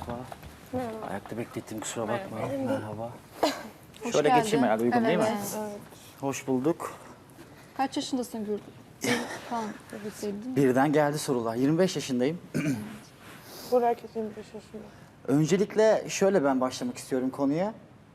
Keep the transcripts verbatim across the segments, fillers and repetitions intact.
Merhaba. Merhaba. Ayakta beklettim, kusura bakmayın. Merhaba. Merhaba. Hoş Şöyle geldin. geçeyim herhalde, uygun Evet, değil mi? evet. Hoş bulduk. Kaç yaşındasın Gül? Kan sevdin. Birden geldi sorular. yirmi beş yaşındayım. Bu herkes yirmi beş yaşında. Öncelikle şöyle ben başlamak istiyorum konuya.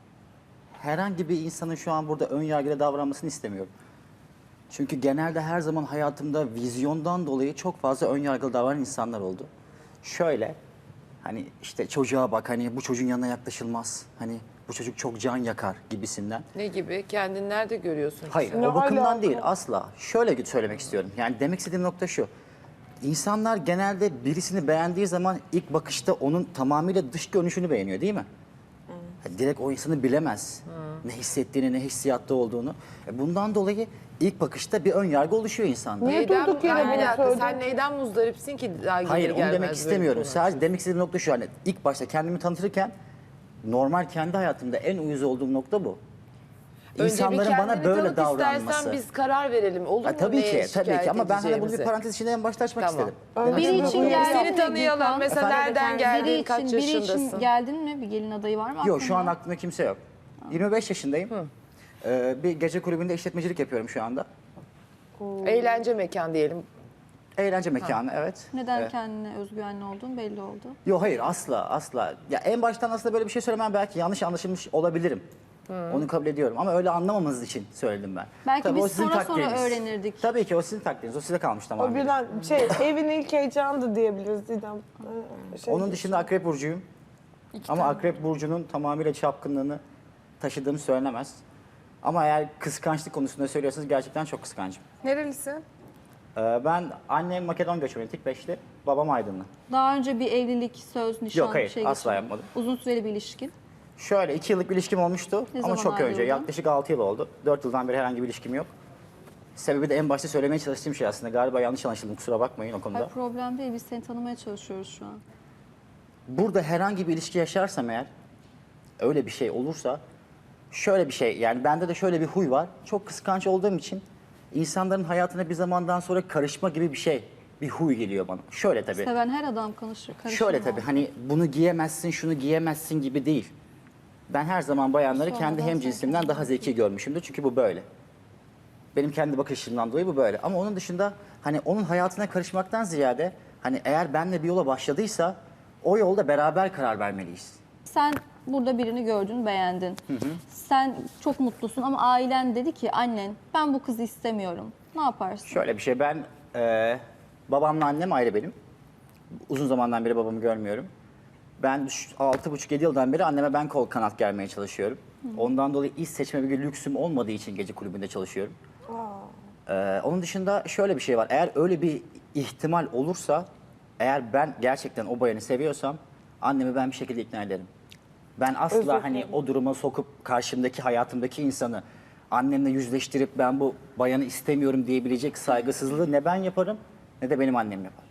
Herhangi bir insanın şu an burada ön yargıyla davranmasını istemiyorum. Çünkü genelde her zaman hayatımda vizyondan dolayı çok fazla ön yargılı davranan insanlar oldu. Şöyle, hani işte çocuğa bak, hani bu çocuğun yanına yaklaşılmaz. Hani bu çocuk çok can yakar gibisinden. Ne gibi? Kendini nerede görüyorsun? Hayır, Ne o bakımdan alaka? değil asla. Şöyle söylemek istiyorum. Yani demek istediğim nokta şu. İnsanlar genelde birisini beğendiği zaman ilk bakışta onun tamamıyla dış görünüşünü beğeniyor, değil mi? Yani direkt o insanı bilemez. Ne hissettiğini, ne hissiyatta olduğunu. E bundan dolayı ilk bakışta bir ön yargı oluşuyor insanda. Niye Neyden, durduk yere Ay, bir bunu dakika, söyledin? sen neyden muzdaripsin ki daha gelir Hayır, onu gelmez demek böyle istemiyorum. bir konu Sadece demek istediğim nokta şu. Hani ilk başta kendimi tanıtırken normal kendi hayatımda en uyuz olduğum nokta bu. Önce İnsanların bir bana kendini böyle tanıt istersen davranması. biz karar verelim. Olur Ha, mu? tabii neye ki, tabii ki şikayet ama ben hani bunu bir edeceğimizi? parantez içinde en başta açmak Tamam. istedim. Biri Demek için istediğim- geldi. Seni tanıyalım. Gülkan. Mesela Efendim? nereden geldin, Biri kaç için, biri yaşındasın? için geldin mi? Bir gelin adayı var mı Yok, şu an aklında? aklımda kimse yok. yirmi beş yaşındayım. Ee, bir gece kulübünde işletmecilik yapıyorum şu anda. Eğlence mekan diyelim. Eğlence mekanı, evet. Neden Evet. kendine özgüvenli olduğun belli oldu. Yok, hayır, asla asla. Ya en baştan aslında böyle bir şey söylemem belki yanlış anlaşılmış olabilirim. Onu kabul ediyorum ama öyle anlamamanız için söyledim ben. Belki Tabii biz o sizin sonra sonra takdiriniz. öğrenirdik. Tabii ki o sizin takdiriniz. O size kalmış O tamamen. birden şey evin ilk heyecanı diyebiliriz Didem. Ee, Şey, Onun dışında Akrep Burcu'yum. Ama Akrep Burcu'nun tamamıyla çapkınlığını taşıdığım söylenemez. Ama eğer kıskançlık konusunda söylüyorsanız gerçekten çok kıskancım. Nerelisin? Ee, ben annem Makedon göçmeni, tek beşli, babam Aydınlı. Daha önce bir evlilik, söz, nişan Yok, hayır, şey asla geçirdin. yapmadım. Uzun süreli bir ilişkin. Şöyle iki yıllık bir ilişkim olmuştu Ne ama zaman çok önce, ayrıldın? yaklaşık altı yıl oldu. Dört yıldan beri herhangi bir ilişkim yok. Sebebi de en başta söylemeye çalıştığım şey aslında. Galiba yanlış anlaşıldım, kusura bakmayın o konuda. Hayır, problem değil. Biz seni tanımaya çalışıyoruz şu an. Burada herhangi bir ilişki yaşarsam eğer, öyle bir şey olursa, şöyle bir şey, yani bende de şöyle bir huy var. Çok kıskanç olduğum için insanların hayatına bir zamandan sonra karışma gibi bir şey, bir huy geliyor bana. Şöyle tabii. Seven her adam karışır. karışır Şöyle mı? tabii, hani bunu giyemezsin, şunu giyemezsin gibi değil. Ben her zaman bayanları Sonradan kendi hemcinsimden daha zeki görmüşümdür. Çünkü bu böyle. Benim kendi bakış açımdan dolayı bu böyle. Ama onun dışında hani onun hayatına karışmaktan ziyade hani eğer benle bir yola başladıysa o yolda beraber karar vermeliyiz. Sen burada birini gördün, beğendin. Sen çok mutlusun ama ailen dedi ki annen ben bu kızı istemiyorum. Ne yaparsın? Şöyle bir şey, ben e, babamla annem ayrı benim. Uzun zamandan beri babamı görmüyorum. Ben altı buçuk yedi yıldan beri anneme ben kol kanat germeye çalışıyorum. Ondan dolayı iş seçme bir lüksüm olmadığı için gece kulübünde çalışıyorum. Ee, onun dışında şöyle bir şey var. Eğer öyle bir ihtimal olursa, eğer ben gerçekten o bayanı seviyorsam annemi ben bir şekilde ikna ederim. Ben asla Özür hani dilerim. o duruma sokup karşımdaki hayatımdaki insanı annemle yüzleştirip ben bu bayanı istemiyorum diyebilecek saygısızlığı ne ben yaparım ne de benim annem yapar.